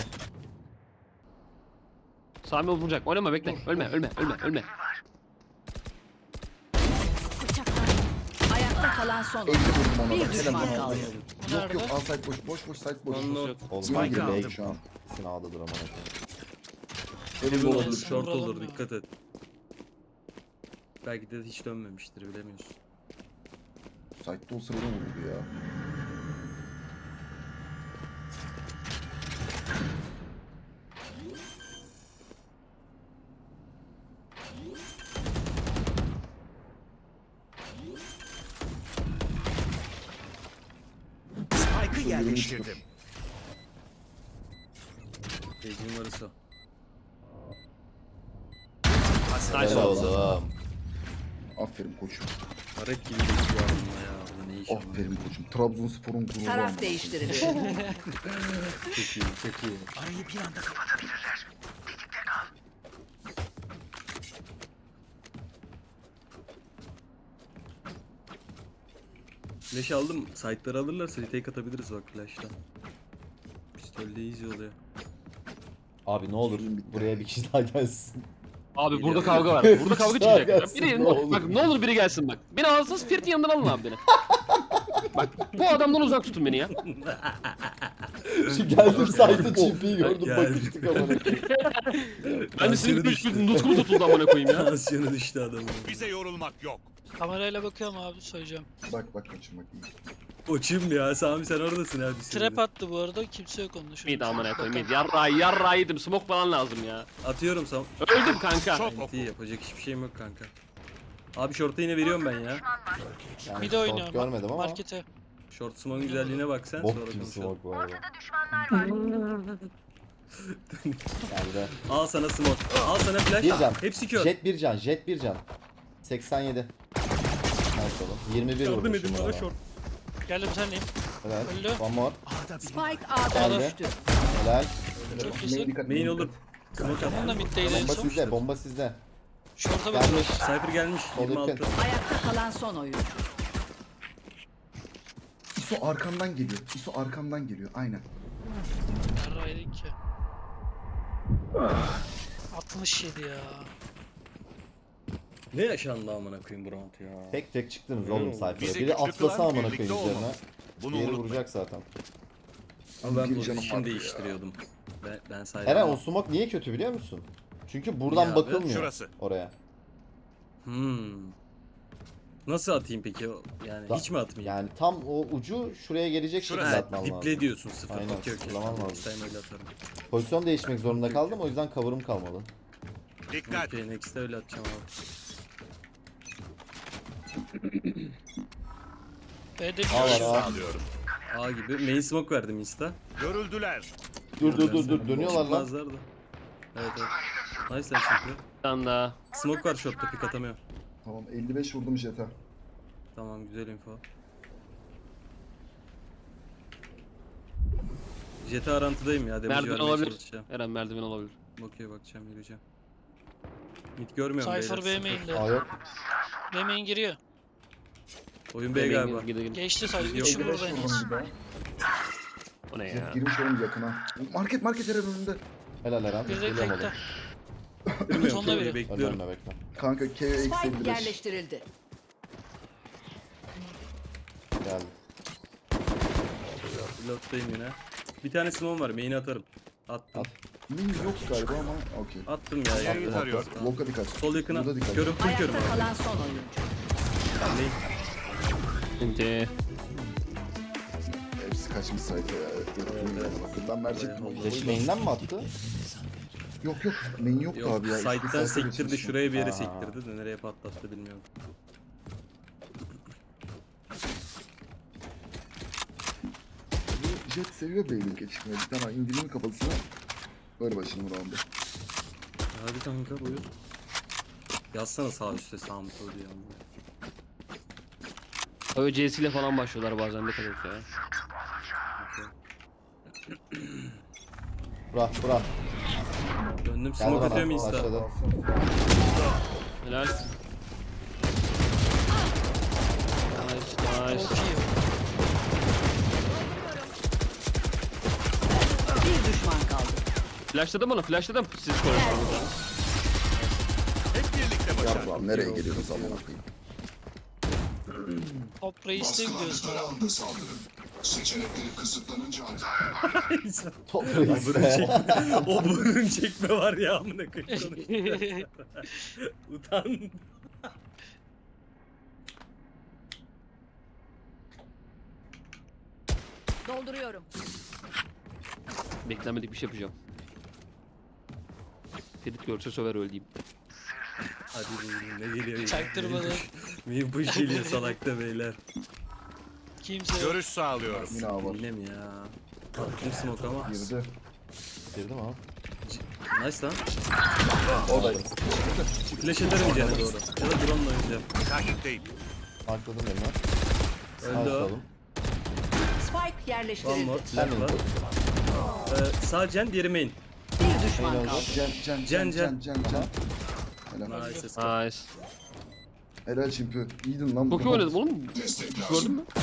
Speaker 2: Sami vuracak. Oynama bekle. Ölme.
Speaker 6: Ayakta kalan son
Speaker 7: 50
Speaker 6: oyuncu.
Speaker 7: vurdum ona.
Speaker 6: Bir
Speaker 7: da.
Speaker 6: düşman
Speaker 7: Helal.
Speaker 6: kaldı.
Speaker 7: Yok yok al site boş. Boş site boş.
Speaker 3: One more.
Speaker 1: Oğlum
Speaker 5: Spike
Speaker 1: hangi
Speaker 5: aldım.
Speaker 1: bey şu an? İkisini aldı drama.
Speaker 3: Heaven
Speaker 7: Heaven
Speaker 3: olur,
Speaker 7: olabilir.
Speaker 3: short
Speaker 4: Vuralım
Speaker 3: olur,
Speaker 4: ya.
Speaker 3: dikkat et. Belki de hiç dönmemiştir, bilemiyorsun.
Speaker 7: Site'de olsa beni vururdu ya.
Speaker 5: Spike'ı yerleştirdim.
Speaker 3: Gecin varısı o.
Speaker 2: Nice
Speaker 1: Helal
Speaker 2: oldu.
Speaker 1: oğlum.
Speaker 7: Aferin koçum.
Speaker 3: Aret gibi geçiyor adamla ya. Burada ne iş var?
Speaker 7: Aferin koçum. Trabzonspor'un gururu
Speaker 6: Taraf
Speaker 7: olmalı.
Speaker 6: değiştirilir.
Speaker 3: Çok iyi, çok iyi.
Speaker 5: Arayı bir anda kapatabilirler.
Speaker 3: Flash aldım. Site'ları alırlarsa retake atabiliriz bak flash'tan. Pistolle easy oluyor.
Speaker 1: Abi ne olur buraya bir kişi daha gelsin.
Speaker 2: Abi burada
Speaker 3: Geliyor.
Speaker 2: kavga var. Burada kavga
Speaker 1: Daha
Speaker 2: çıkacak.
Speaker 1: gelsin,
Speaker 2: Biri,
Speaker 1: ne olur.
Speaker 2: bak ne olur biri gelsin bak. Beni alsın Ferit'in yanından alın abi beni. Bak bu adamdan uzak tutun beni ya.
Speaker 1: Şu geldim site'ı çiftliği gördüm
Speaker 3: Gel.
Speaker 1: bakıştık ama.
Speaker 2: Ben de senin
Speaker 3: Tansiyonu düştü.
Speaker 2: bir nutkum tutuldu amına koyayım ya.
Speaker 3: Tansiyonu düştü adamın.
Speaker 5: Bize yorulmak yok.
Speaker 4: Kamerayla bakıyorum abi söyleyeceğim.
Speaker 7: Bak koçum bak. iyi.
Speaker 3: Koçum ya Sami sen oradasın abi.
Speaker 4: Trap attı bu arada kimse yok onun
Speaker 2: Mid amına koyayım mid. Yarra yedim. Smoke falan lazım ya.
Speaker 3: Atıyorum Sam.
Speaker 2: Öldüm kanka.
Speaker 5: Çok
Speaker 3: NT yapacak hiçbir şeyim yok kanka. Abi short'a yine veriyorum ben ya.
Speaker 1: Yani
Speaker 4: Bir de
Speaker 1: short
Speaker 4: oynuyor.
Speaker 1: görmedim ama.
Speaker 4: Markete.
Speaker 3: Short smoke'un güzelliğine bak sen sonra
Speaker 1: Bok gibi
Speaker 3: konuşalım.
Speaker 1: smoke bu arada. Geldi.
Speaker 3: Al sana smoke. Al sana flash.
Speaker 1: Bir can.
Speaker 3: Hepsi kör.
Speaker 1: Jet bir can. Jet bir can. 87. Nice oğlum. 21
Speaker 3: Yardım
Speaker 1: vurmuşum
Speaker 3: edin
Speaker 1: bu
Speaker 3: bana
Speaker 1: arada.
Speaker 3: short.
Speaker 4: Geldim senleyim.
Speaker 1: Helal.
Speaker 4: Öldü.
Speaker 1: One more.
Speaker 6: Spike A'da
Speaker 1: Geldi.
Speaker 6: düştü.
Speaker 1: Helal.
Speaker 4: Çok
Speaker 7: Main
Speaker 4: iyisin.
Speaker 7: dikkat.
Speaker 3: Main olur. Smoke
Speaker 4: Onun da
Speaker 3: at.
Speaker 4: middeydi en
Speaker 1: Bomba
Speaker 4: son.
Speaker 1: sizde. Bomba sizde.
Speaker 4: Short'a
Speaker 1: Gelmiş.
Speaker 4: bakıyor.
Speaker 3: Cypher gelmiş.
Speaker 1: Sol
Speaker 3: 26.
Speaker 1: yakın.
Speaker 6: Ayakta kalan son oyuncu.
Speaker 7: İso arkamdan geliyor. İso arkamdan geliyor. Aynen.
Speaker 4: Yarraydık ki. 67 ya.
Speaker 3: Ne yaşandı amına koyayım bu round ya.
Speaker 1: Tek tek çıktınız oğlum
Speaker 3: Bize
Speaker 1: sayfaya.
Speaker 5: Bizi
Speaker 1: Biri
Speaker 5: küçük
Speaker 1: atlasa
Speaker 5: kılan
Speaker 1: amına
Speaker 5: birlikte
Speaker 1: koyayım üzerine.
Speaker 5: olmamız. Bunu
Speaker 1: Diğeri
Speaker 5: unutmayın.
Speaker 1: vuracak zaten.
Speaker 3: Ama ben
Speaker 7: Bir canım
Speaker 3: pozisyon
Speaker 7: vardı ya.
Speaker 3: değiştiriyordum. Ben saydım.
Speaker 1: Eren o smoke niye kötü biliyor musun? Çünkü buradan
Speaker 3: Ya abi,
Speaker 1: bakılmıyor
Speaker 5: şurası.
Speaker 1: oraya.
Speaker 3: Nasıl atayım peki o? Yani
Speaker 1: Da-
Speaker 3: hiç mi atmayayım?
Speaker 1: Yani tam o ucu şuraya gelecek şekilde
Speaker 5: Şurası.
Speaker 1: atman lazım.
Speaker 3: Diple diyorsun sıfır.
Speaker 1: Aynen,
Speaker 3: Okey okey.
Speaker 1: sıfırlaman lazım.
Speaker 3: Next time öyle atarım.
Speaker 1: Pozisyon değişmek zorunda kaldım o yüzden cover'ım kalmadı.
Speaker 5: Dikkat.
Speaker 3: Okey next'te öyle atacağım abi.
Speaker 4: B'de
Speaker 1: A
Speaker 4: bir
Speaker 1: var
Speaker 4: kişi
Speaker 1: A.
Speaker 5: Sağlıyorum.
Speaker 3: A gibi. Main smoke verdim insta.
Speaker 5: Görüldüler.
Speaker 1: Dur dönüyorlar lan.
Speaker 3: Çıkmazlar da. Evet evet. Nice lan çünkü.
Speaker 2: Bir tane daha.
Speaker 3: Smoke var shot'ta pick atamıyor.
Speaker 7: Tamam 55 vurdum jete.
Speaker 3: Tamam güzel info. Jet'e arantıdayım ya. Damage
Speaker 2: Merdiven
Speaker 3: vermeye
Speaker 2: olabilir.
Speaker 3: çalışacağım.
Speaker 2: Eren merdiven olabilir.
Speaker 3: Okey bakacağım yürüyeceğim. Mid görmüyorum
Speaker 4: Cypher B
Speaker 3: beyler.
Speaker 4: main'de.
Speaker 1: A yok.
Speaker 4: B main giriyor.
Speaker 3: Oyun B galiba.
Speaker 2: Gidelim.
Speaker 4: Geçti sayı.
Speaker 3: Yok.
Speaker 4: 3'ü
Speaker 7: 55
Speaker 4: burada en az.
Speaker 7: vurdum bir daha.
Speaker 2: O ne
Speaker 7: Jet
Speaker 2: ya?
Speaker 7: girmiş oğlum yakına. Market Eren önünde.
Speaker 1: Helal Eren.
Speaker 4: Bir de
Speaker 1: Geliyorum oğlum.
Speaker 4: tekte.
Speaker 3: Bilmiyorum
Speaker 4: Sonunda
Speaker 3: ki,
Speaker 4: biri.
Speaker 3: bekliyorum.
Speaker 1: Önlerine bekle.
Speaker 7: Kanka KO eksi
Speaker 6: Spike
Speaker 7: 55.
Speaker 6: yerleştirildi.
Speaker 1: Geldi.
Speaker 3: Reload'dayım yine. Bir tane smoke var. Main'e atarım. Attım.
Speaker 1: At.
Speaker 7: Min yok galiba ama okey.
Speaker 3: Attım ya.
Speaker 5: İleriyi
Speaker 3: ya.
Speaker 5: tarıyorum.
Speaker 7: Volka dikkat.
Speaker 3: Sol yakına.
Speaker 7: Burada dikkat.
Speaker 3: Körüm full körüm
Speaker 6: Ayakta
Speaker 3: abi.
Speaker 6: kalan son oyuncu.
Speaker 3: Ben değil.
Speaker 2: Şimdi
Speaker 7: Hepsi kaçmış sayfa ya. Bakın ben verecektim.
Speaker 1: Flash main'den mi attı?
Speaker 7: Yok main yoktu
Speaker 3: Yok,
Speaker 7: abi ya.
Speaker 3: side'den
Speaker 7: İşte sayfa
Speaker 3: sektirdi
Speaker 7: geçmiş.
Speaker 3: şuraya bir yere
Speaker 1: Aha.
Speaker 3: sektirdi de nereye patlattı bilmiyorum.
Speaker 7: Bu Jet seviyor Beyblade geçişmeyi. Bir tane indireyim kafasına. Böyle başlayalım round'a.
Speaker 3: Hadi kanka buyur. Yazsana sağ üstte sağ mı sol diye.
Speaker 2: ÖCS ile falan başlıyorlar bazen, ne kadar ya.
Speaker 1: Bırak.
Speaker 3: Döndüm
Speaker 1: Gel
Speaker 3: smoke
Speaker 1: bana.
Speaker 3: atıyorum insta.
Speaker 1: Başladı.
Speaker 2: Helal. Nice.
Speaker 4: Çok iyi.
Speaker 6: Bir düşman kaldı.
Speaker 2: Flashladım onu, flashladım. Siz konuşmanız.
Speaker 5: Hep birlikte başardık.
Speaker 7: Yardım abi nereye geliyoruz amına koyayım.
Speaker 4: Top Reis'te gidiyorsun abi.
Speaker 1: Top
Speaker 3: O burun
Speaker 1: reis.
Speaker 3: çekme, o burun çekme var ya amına koyayım. Utan.
Speaker 6: Dolduruyorum.
Speaker 2: Beklenmedik bir şey yapacağım. Ferit görse söver öldüğüm.
Speaker 3: Hadi buyurun ne geliyor ya?
Speaker 4: Çaktırmadan.
Speaker 3: Miyim bu geliyor salakta beyler.
Speaker 4: Kimse yok.
Speaker 5: Görüş sağlıyorum.
Speaker 7: Yine A var.
Speaker 3: Bilmem ya. Kim smoke ama.
Speaker 7: Girdi.
Speaker 1: Girdim abi.
Speaker 3: Nice lan.
Speaker 7: Oradayım.
Speaker 3: Flash ederim gene doğru. Ya da drone'la oynayacağım.
Speaker 5: Takipteyim.
Speaker 1: Markladım elime.
Speaker 3: Öldü o.
Speaker 1: Markladım.
Speaker 6: Spike
Speaker 3: One
Speaker 6: yerleştirildi.
Speaker 3: more.
Speaker 1: Sen
Speaker 3: Left var. Sağ Jen, diğeri main.
Speaker 6: Bir düşman
Speaker 1: Main
Speaker 6: kaldı.
Speaker 7: Can. Helal.
Speaker 3: Nice.
Speaker 2: Nice.
Speaker 7: Helal çimpi. İyiydin lan.
Speaker 2: Çok iyi
Speaker 7: bu.
Speaker 2: oynadım oğlum. Gördün mü?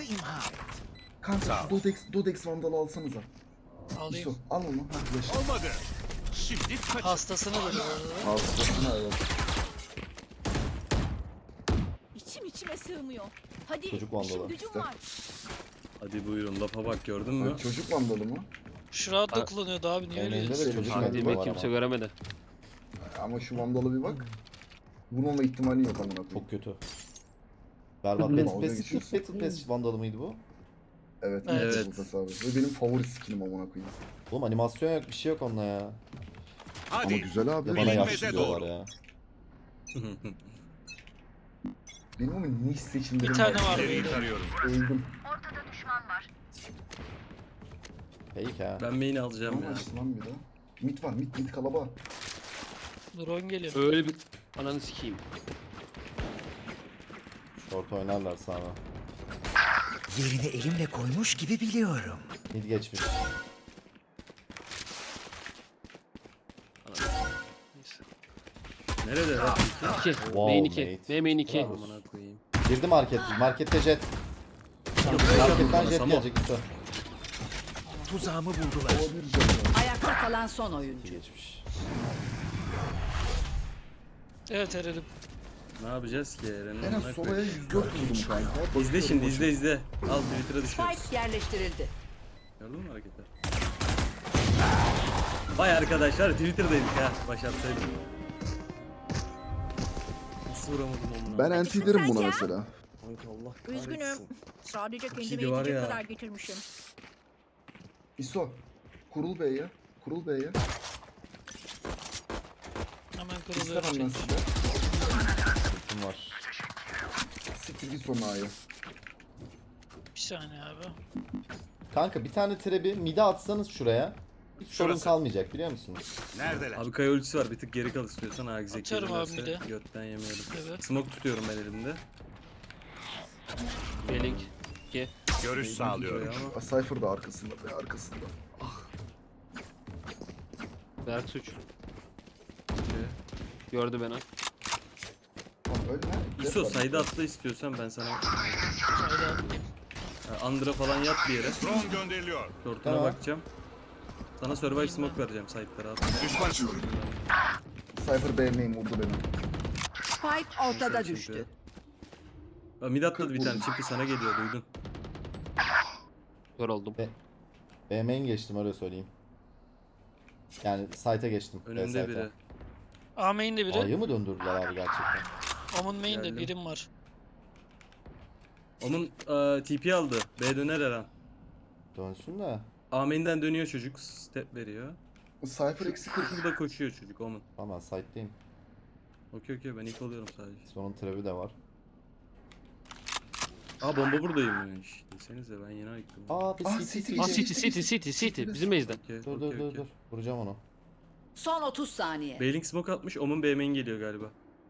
Speaker 7: Kanka Dodex Vandal'ı alsanıza.
Speaker 4: Alayım.
Speaker 7: İso al onu. Ha flash.
Speaker 5: Olmadı. Şimdi kaç.
Speaker 4: Hastasını da bu arada.
Speaker 7: Hastasına evet.
Speaker 8: İçime sığmıyor. Hadi
Speaker 1: Çocuk vandalı.
Speaker 8: işim gücüm var.
Speaker 3: Hadi buyurun lafa bak gördün mü?
Speaker 7: Ha, çocuk Vandalı mı?
Speaker 4: Şurada da kullanıyordu abi niye öyle
Speaker 1: Main'de de
Speaker 4: diyorsun?
Speaker 1: çocuk
Speaker 2: Hadi
Speaker 1: vandalı
Speaker 2: be,
Speaker 1: var
Speaker 2: kimse
Speaker 1: ama.
Speaker 2: göremedi.
Speaker 7: Ama şu Vandal'a bir bak. Vurmama ihtimali yok amına koyayım.
Speaker 1: Çok kötü. Berbat.
Speaker 7: Dalga
Speaker 1: Battle Pass,
Speaker 7: geçiyorsun.
Speaker 1: Battle Pass vandalı mıydı bu?
Speaker 7: Evet.
Speaker 3: Evet.
Speaker 7: Abi. Ve benim favori skinim amına koyayım.
Speaker 1: Oğlum animasyon yok, bir şey yok onunla ya.
Speaker 7: Ama
Speaker 5: Hadi.
Speaker 7: güzel abi.
Speaker 1: Bir de bana
Speaker 5: Bilinmeze
Speaker 1: yaşlı diyorlar
Speaker 5: doğru.
Speaker 1: ya.
Speaker 7: Benim ama niş seçimlerim
Speaker 4: Bir tane var
Speaker 5: İleriyi
Speaker 4: böyle.
Speaker 5: tarıyorum.
Speaker 7: Öldüm.
Speaker 1: Fake ha.
Speaker 3: Ben main'i alacağım
Speaker 7: Ama
Speaker 3: ya.
Speaker 7: açtı lan bir daha. Mid var mid kalaba.
Speaker 4: Drone geliyor.
Speaker 2: Öyle bir ananı sikeyim.
Speaker 1: Short oynarlar sana.
Speaker 9: Yerini elimle koymuş gibi biliyorum.
Speaker 1: Mid geçmiş.
Speaker 2: Neyse.
Speaker 3: Nerede lan?
Speaker 2: 2.
Speaker 1: Wow,
Speaker 2: Main 2.
Speaker 1: mate.
Speaker 2: Main 2.
Speaker 3: Amına koyayım.
Speaker 1: Girdi market. Markette jet. Marketten jet gelecek üstü.
Speaker 9: Tuzağımı buldular.
Speaker 7: O bir canı var.
Speaker 6: Ayakta kalan son oyuncu.
Speaker 1: Geçmiş.
Speaker 4: Evet Eren'im.
Speaker 3: Ne yapacağız ki Eren'in?
Speaker 7: En az
Speaker 3: amına
Speaker 7: solaya
Speaker 3: koyayım.
Speaker 7: 104 vurdum kanka.
Speaker 3: İzle şimdi izle. Al Twitter'a düşüyoruz.
Speaker 6: Spike yerleştirildi.
Speaker 3: Gördün mü hareketler? Vay arkadaşlar Twitter'daydık ha. Başarsaydım. Nasıl vuramadım onu?
Speaker 7: Ben anti derim buna mesela.
Speaker 3: Kanka Allah kahretsin.
Speaker 8: Üzgünüm. Sadece kendime
Speaker 3: iyiydi var
Speaker 8: yetecek
Speaker 3: ya.
Speaker 8: kadar getirmişim.
Speaker 7: İso. Kurul Bey'e. Kurul Bey'e.
Speaker 4: Hemen
Speaker 7: İster
Speaker 4: kırılıyorum
Speaker 7: ondan
Speaker 4: çünkü.
Speaker 7: size.
Speaker 1: Kim var?
Speaker 7: Siktir git sonra A'ya.
Speaker 4: Bir saniye abi.
Speaker 1: Kanka bir tane trebi mid'e atsanız şuraya. Hiç sorun
Speaker 5: Şurası.
Speaker 1: kalmayacak biliyor musunuz?
Speaker 5: Neredeler?
Speaker 3: Abi kaya ultisi var bir tık geri kal istiyorsan ha egzek
Speaker 4: Atıyorum abi bir de.
Speaker 3: götten yemeyelim.
Speaker 4: Evet.
Speaker 3: Smoke tutuyorum ben elimde.
Speaker 2: Belink. 2.
Speaker 5: Görüş sağlıyorum.
Speaker 3: Ama
Speaker 7: Cypher da arkasında be arkasında.
Speaker 2: Berk suç. Gördü beni.
Speaker 7: Tamam öyle ne?
Speaker 3: İso sayda atla istiyorsan ben sana
Speaker 4: Şöyle atlayayım.
Speaker 3: Under'a falan yat bir yere.
Speaker 5: Drone gönderiliyor.
Speaker 3: Short'una
Speaker 1: Tamam.
Speaker 3: bakacağım. Sana survive smoke vereceğim side'lara at.
Speaker 5: Düşman
Speaker 7: Cypher BM'yi vurdu beni.
Speaker 6: Spike ortada
Speaker 3: Çünkü.
Speaker 6: düştü.
Speaker 3: Aa, mid atladı bir tane çimpi sana geliyor duydun.
Speaker 2: Kör oldum.
Speaker 1: B main geçtim öyle söyleyeyim. Yani site'e geçtim.
Speaker 3: Önümde
Speaker 1: site'e.
Speaker 3: biri.
Speaker 4: A main'de biri.
Speaker 1: A'yı mı döndürdüler abi gerçekten?
Speaker 4: Omun main'de
Speaker 3: Geldim.
Speaker 4: birim var.
Speaker 3: Onun TP aldı. B döner her an.
Speaker 1: Dönsün de.
Speaker 3: Amen'den dönüyor çocuk. Step veriyor.
Speaker 7: Cypher eksi 40.
Speaker 3: Burada koşuyor çocuk Omen.
Speaker 1: Tamam ben site'deyim.
Speaker 3: Okey ben ilk oluyorum sadece.
Speaker 1: Sonun trap'i de var.
Speaker 3: Aa bomba buradaymış. Desenize ben yeni ayıktım.
Speaker 1: Aa bir
Speaker 7: Ah,
Speaker 1: city
Speaker 7: city.
Speaker 1: city.
Speaker 2: Aa City. Bizim base'den.
Speaker 3: Okey,
Speaker 1: Dur dur dur dur. Vuracağım onu.
Speaker 6: Son 30 saniye.
Speaker 3: Bailing smoke atmış. Omen B main geliyor galiba.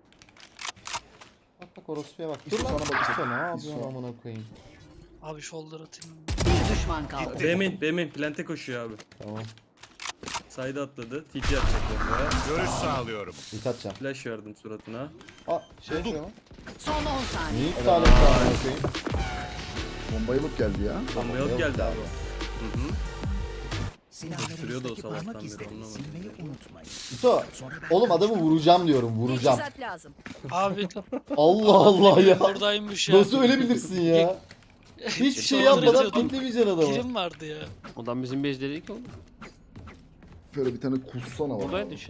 Speaker 1: Bak bak orospuya bak.
Speaker 7: İso
Speaker 1: Dur lan.
Speaker 7: sana bakacak.
Speaker 1: İso ne yapıyorsun
Speaker 7: İso.
Speaker 1: amına koyayım.
Speaker 4: Abi shoulder atayım.
Speaker 6: Bir düşman kaldı.
Speaker 3: B main plante koşuyor abi.
Speaker 1: Tamam.
Speaker 3: Side'a atladı. TP atacak bombaya.
Speaker 5: Görüş sağlıyorum.
Speaker 1: İlk atacağım.
Speaker 3: Flash verdim suratına.
Speaker 1: Aa şey yapıyor lan.
Speaker 6: Son 10 saniye.
Speaker 1: Niye iptal etti amına koyayım?
Speaker 7: Bombayı alıp geldi ya.
Speaker 3: Bomba yok geldi abi. Hı hı. Gösteriyordu o
Speaker 9: Silahlarınızdaki
Speaker 3: sabahtan
Speaker 9: parmak
Speaker 3: beri,
Speaker 9: izlerini
Speaker 3: anlamadım.
Speaker 9: silmeyi unutmayın.
Speaker 1: İso.
Speaker 9: Sonra ben
Speaker 1: Oğlum adamı vuracağım diyorum. Vuracağım.
Speaker 8: Teçhizat lazım.
Speaker 4: Abi
Speaker 1: Allah Allah ya.
Speaker 4: buradaymış ya.
Speaker 1: Nasıl ölebilirsin ya? Hiçbir şey
Speaker 4: Shoulder
Speaker 1: yapmadan
Speaker 4: atıyordum.
Speaker 1: piklemeyeceksin adamı.
Speaker 4: Kirim vardı ya.
Speaker 2: Odan bizim base değil ki oğlum.
Speaker 7: Böyle bir tane kussana var.
Speaker 2: Buradaydı işte.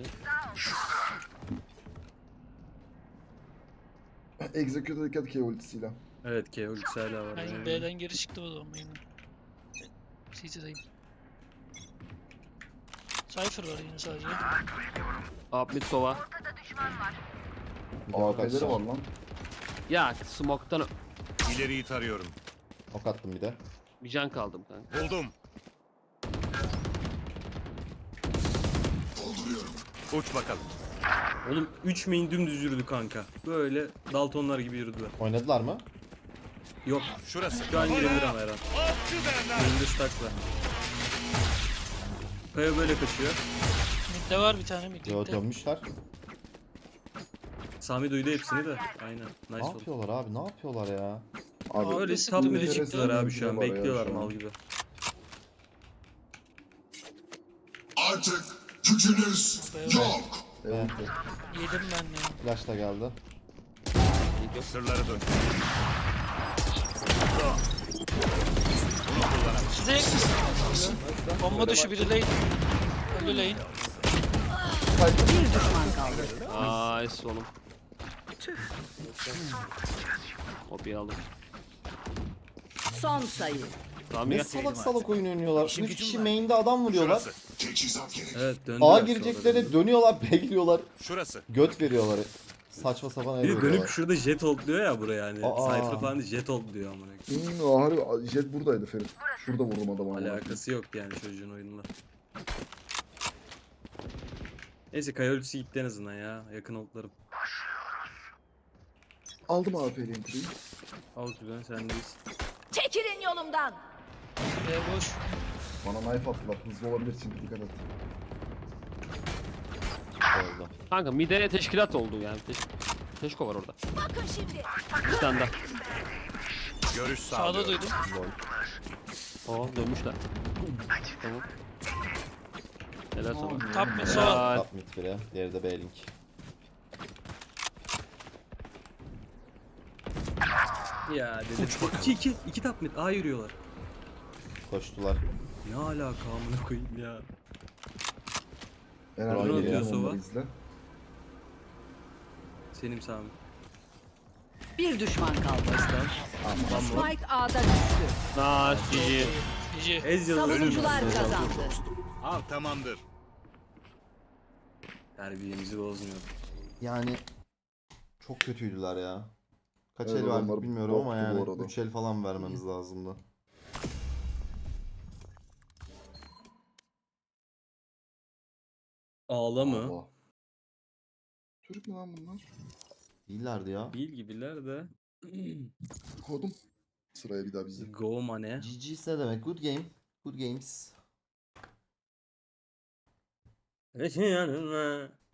Speaker 7: Execute'a dikkat ki ultisiyle.
Speaker 3: Evet K ultisi hala var.
Speaker 4: Ben
Speaker 3: Yani.
Speaker 4: B'den geri çıktım o zaman yine. CT'deyim. Cypher var yine sadece.
Speaker 2: Up mid sova.
Speaker 1: Bir de ok
Speaker 7: AP'leri
Speaker 1: atacağım.
Speaker 7: var lan.
Speaker 2: Ya smoke'tan
Speaker 5: İleriyi tarıyorum.
Speaker 1: Ok attım bir de.
Speaker 2: bir can kaldım kanka.
Speaker 5: Buldum. Uç bakalım.
Speaker 3: Oğlum 3 main dümdüz yürüdü kanka. Böyle Daltonlar gibi yürüdüler.
Speaker 1: Oynadılar mı?
Speaker 3: Yok
Speaker 5: Şurası.
Speaker 3: şu an girebilir ama her an.
Speaker 5: Avcı derler.
Speaker 3: Önünde stackla. Kaya böyle kaçıyor.
Speaker 4: Mid'de var bir tane
Speaker 1: Yo
Speaker 4: mid'de.
Speaker 1: dönmüşler.
Speaker 3: Sami duydu hepsini de. Aynen.
Speaker 1: Ne
Speaker 3: Nice oldu.
Speaker 1: yapıyorlar abi? Ne yapıyorlar ya?
Speaker 7: Abi
Speaker 3: Böyle
Speaker 4: sıktı
Speaker 3: top
Speaker 4: be.
Speaker 3: mid'e çıktılar abi şu an.
Speaker 7: Var ya
Speaker 3: Bekliyorlar
Speaker 7: şu an.
Speaker 3: mal gibi.
Speaker 10: Artık gücünüz yok.
Speaker 7: Evet.
Speaker 4: Yedim ben ya.
Speaker 1: Flash da geldi.
Speaker 5: Sırları dön.
Speaker 4: Size bomba düşü biri lane. Ölü lane.
Speaker 6: Bir düşman kaldı.
Speaker 2: Nice oğlum. Hopi aldım.
Speaker 6: Son sayı.
Speaker 2: Tamam
Speaker 1: Ne
Speaker 2: gel.
Speaker 1: salak salak oyun oynuyorlar.
Speaker 9: İşim
Speaker 1: 3
Speaker 9: gücüm
Speaker 1: kişi
Speaker 9: var.
Speaker 1: main'de adam vuruyorlar.
Speaker 5: Şurası.
Speaker 10: Teçhizat gerek.
Speaker 3: Evet döndüler.
Speaker 1: A
Speaker 3: sonra
Speaker 1: girecekleri
Speaker 3: döndüler.
Speaker 1: dönüyorlar, bekliyorlar.
Speaker 5: Şurası.
Speaker 1: Göt veriyorlar. Saçma sapan el
Speaker 3: Bir de dönüp
Speaker 1: veriyorlar.
Speaker 3: şurada jet hold diyor ya buraya yani.
Speaker 1: Aa.
Speaker 3: Cypher falan değil, jet hold diyor amına.
Speaker 7: Harbi jet buradaydı Ferit. Şurada vurdum adamı.
Speaker 3: Alakası yok yani çocuğun oyunla. Neyse Kaya ultisi gitti en azından ya. Yakın oldlarım.
Speaker 7: Aldım AP'li entry'yi.
Speaker 3: Al güzel sendeyiz.
Speaker 8: Çekilin yolumdan.
Speaker 4: B boş.
Speaker 7: Bana knife attılar. Hızlı olabilir çünkü dikkat et.
Speaker 1: Oldu.
Speaker 2: Kanka mid'e teşkilat oldu yani. Teşko var orada.
Speaker 8: Bakın şimdi.
Speaker 2: Bir tane daha.
Speaker 5: Görüş
Speaker 4: Sağda
Speaker 5: sağlıyorum.
Speaker 4: duydum.
Speaker 2: Oo dönmüşler. Tamam. Helal sana.
Speaker 4: Top mid sol.
Speaker 2: Helal.
Speaker 1: Top mid biri. Diğeri de B-Link.
Speaker 3: Ya dedim. 2 top mid. A yürüyorlar.
Speaker 1: Koştular.
Speaker 3: Ne alaka amına koyayım ya.
Speaker 7: Herhalde
Speaker 1: Drone
Speaker 7: geliyorum
Speaker 3: atıyor
Speaker 7: onları
Speaker 3: Sova.
Speaker 7: izle.
Speaker 3: Senin Sami.
Speaker 6: Bir düşman kaldı.
Speaker 3: Tamam.
Speaker 6: Spike A'da düştü.
Speaker 2: Nice.
Speaker 4: GG.
Speaker 3: Ez yazılı.
Speaker 6: Savunucular kazandı.
Speaker 5: Al tamamdır.
Speaker 3: Terbiyemizi bozmuyor.
Speaker 1: Yani çok kötüydüler ya. Kaç
Speaker 7: Evet,
Speaker 1: el verdik
Speaker 7: adamlar
Speaker 1: bilmiyorum ama
Speaker 7: boktu bu
Speaker 1: yani
Speaker 7: arada.
Speaker 1: 3 el falan vermemiz lazımdı.
Speaker 3: Ağla mı?
Speaker 7: Allah. Türk mü lan bunlar?
Speaker 1: İyilerdi ya.
Speaker 3: Değil gibiler de.
Speaker 7: Kodum. Sıraya bir daha bizi.
Speaker 3: Go mane.
Speaker 1: GG's ne demek? Good game. Good games.
Speaker 3: Yanıma